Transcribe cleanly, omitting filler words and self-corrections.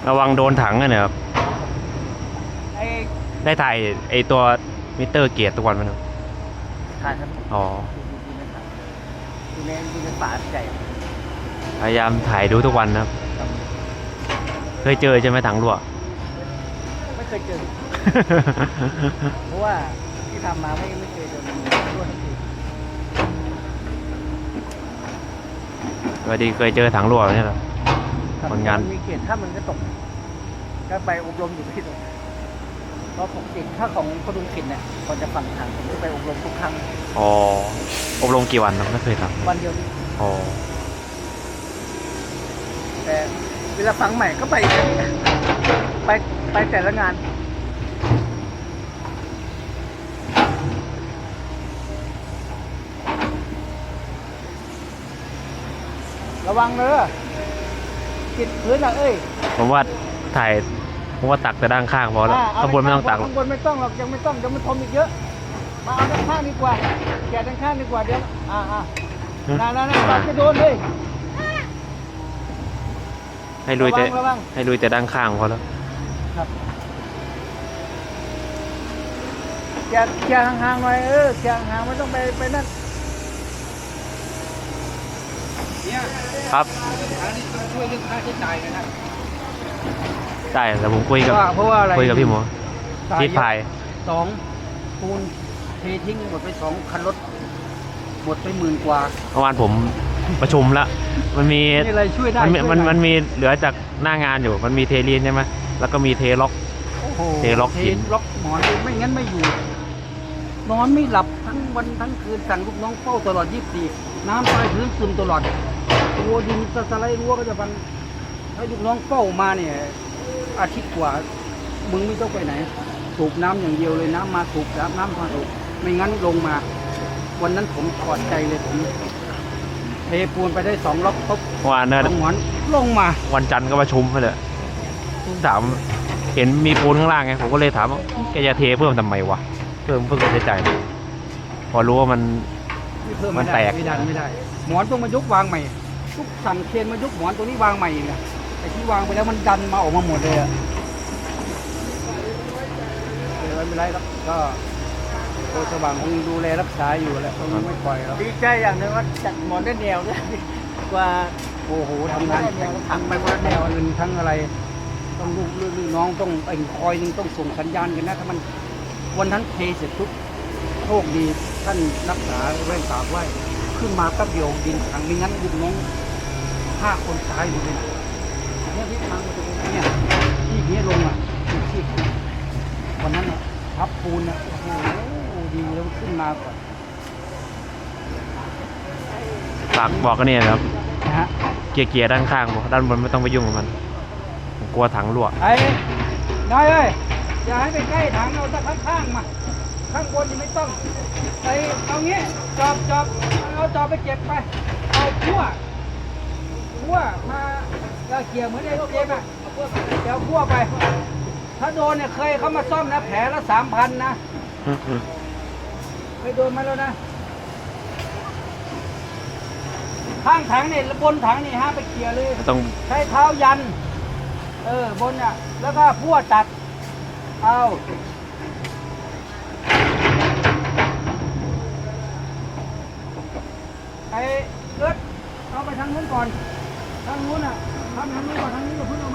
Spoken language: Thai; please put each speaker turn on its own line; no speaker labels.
ระวังโดนถังอะเนี่ยครับ
ไอ้
ได้ถ่ายไอตัวมิเตอร์เกียร์ทุกวันไหมครับ
ถ่ายครับ
อ๋อ
ดูในป่าใหญ่
พยายามถ่ายดูทุกวันนะครับ เคยเจอใช่ไหมถังรั่ว
ไม่เคยเจอ เพราะว่าที่ทำมาไม่เคยเจอมันรั่วทั้งที
พอดีเคยเจอถังรั่วเนี่ยเหรอ ผลงาน
มีเกณฑ์ถ้ามันก็ตกก็ไปอบรมอยู่ที่ตรงเพราะปกติถ้าของกระดุมขินเนี่ยก่อนจะฝังถังผมจะไปอบรมทุกครั้ง
อ๋อ อบรมกี่วันครับไม่เคยท
วันเดียวนี้
ำอ๋อ
แต่เวลาฝังใหม่ก็ไปอีกไปแต่ละงาน ระวังเลยติดพื้นอ่ะเอ้ย
ผมว่าถ่าย ผมว่าตักแต่ด้านข้างพอแล้ว ข้างบนไม่ต้องตักหรอก
ข้างบนไม่ต้องหรอกยังไม่ต้องเดี๋ยวมันทมอีกเยอะมาเอาด้านข้างดีกว่าแกะด้านข้างดีกว่าเดี๋ยวนั่นตักจะโดนเลย
ให้ลุยแต่
ระวัง
ให้ลุยแต่ด้านข้างพอแล้ว
ครับแกะห่างๆหน่อยแกะห่างๆไม่ต้องไปนั่นเนี่ย
ครับ
อันนี้ต้องช่วยเรื่องค่าใช้จ่ายนะครับ
ได้แต่ผมคุยกับ
เพราะว่าอะไร
คุยกับพี่หมอที่พาย
สองปูนเททิ้งหมดไป2 คันรถหมดไป10,000 กว่า
เมื่อวานผมประชุมแล้ว มันมี
มีอะไรช่วยได้
มันมีเหลือจากหน้างานอยู่ มันมีเทลีนใช่ไหมแล้วก็มีเทล็อก
โอ้โห
เทล็อกหิน
ล็อกหมอนไม่งั้นไม่อยู่ นอนไม่หลับทั้งวันทั้งคืนสั่งลูกน้องเฝ้าตลอด24น้ำใต้พื้นซึมตลอดตัวดินสไลด์รั้วก็จะพังให้ลูกน้องเฝ้ามาเนี่ยอาทิตย์กว่ามึงไม่ต้องไปไหนสูบน้ำอย่างเดียวเลยน้ำมาสูบน้ำมาสูบไม่งั้นลงมา วันนั้นผมถอดใจเลยผมเทปูนไปได้2 ล็อกปุ๊บ
เมื่อวานเนี่ย
หมอนลงมา
วันจันทร์ก็ประชุมไปเลยถามเห็นมีปูนข้างล่างไงผมก็เลยถามว่าแกจะเทเพิ่มทำไมวะเพิ่มค่าใช้จ่ายพอรู้ว่ามัน
เพิ่ม
มันแตก
ไม่ได้ หมอนต้องมายกวางใหม่ทุกสั่งเคนมายกหมอนตัวนี้วางใหม่เนี่ยไอ้ที่วางไปแล้วมันดันมาออกมาหมดเลยอะไม่เป็นไรครับก็โคสว่างคงดูแลรักษาอยู่แหละคงไม่ปล่อยแล้วดีใจอย่างนึงว่าจัดหมอนได้แนวด้วยกว่าโอ้โหทำงานถังไปคนละแนวเงินทั้งอะไร ต้องลูกน้องต้องไอ้คอยนึงต้องส่งสัญญาณกันนะถ้ามันวันนั้นเทเสร็จทุกโชคดีท่านรักษาแว่นตาไว้ขึ้นมาแป๊บเดียวดินถังไม่งั้นลูกน้อง5 คนตายหมดเลยนะเนี่ยที่ทางมาตรงนี้เนี่ยที่เนี้ยลงอ่ะที่วันนั้นอ่ะทับปูนอ่ะโอ้โหดีแล้วขึ้นมาก่อน
ฝากบอกกันเนี่ยนะครับ
นะฮะ
เกียร์ด้านข้างบอกด้านบนไม่ต้องไปยุ่งกับมันผมกลัวถังรั่ว
ไอ้นายเอ้ยอย่าให้ไปใกล้ถังเอาแต่ข้างๆมาข้างบนนี่ไม่ต้องไอ้เอางี้จอบเอาจอบไปเก็บไปเอาขั้วมาเกี่ยวเหมือนไอ้เจ็บอ่ะเดี๋ยวขั้วไป ถ้าโดนเนี่ยเคยเขามาซ่อมนะแผลละ3,000นะเคยโดนมาแล้วนะข้างถังเนี่ยบนถังนี่ฮะไปเกี่ยวเลย
ต้อง
ใช้เท้ายันบนอ่ะแล้วก็พั่วตัดเอาไอ้เลือดเอาไปทางนู้นก่อนทางนู้นอ่ะทำทางนู้นก่อนทางนี้ก็เพิ่งเอามา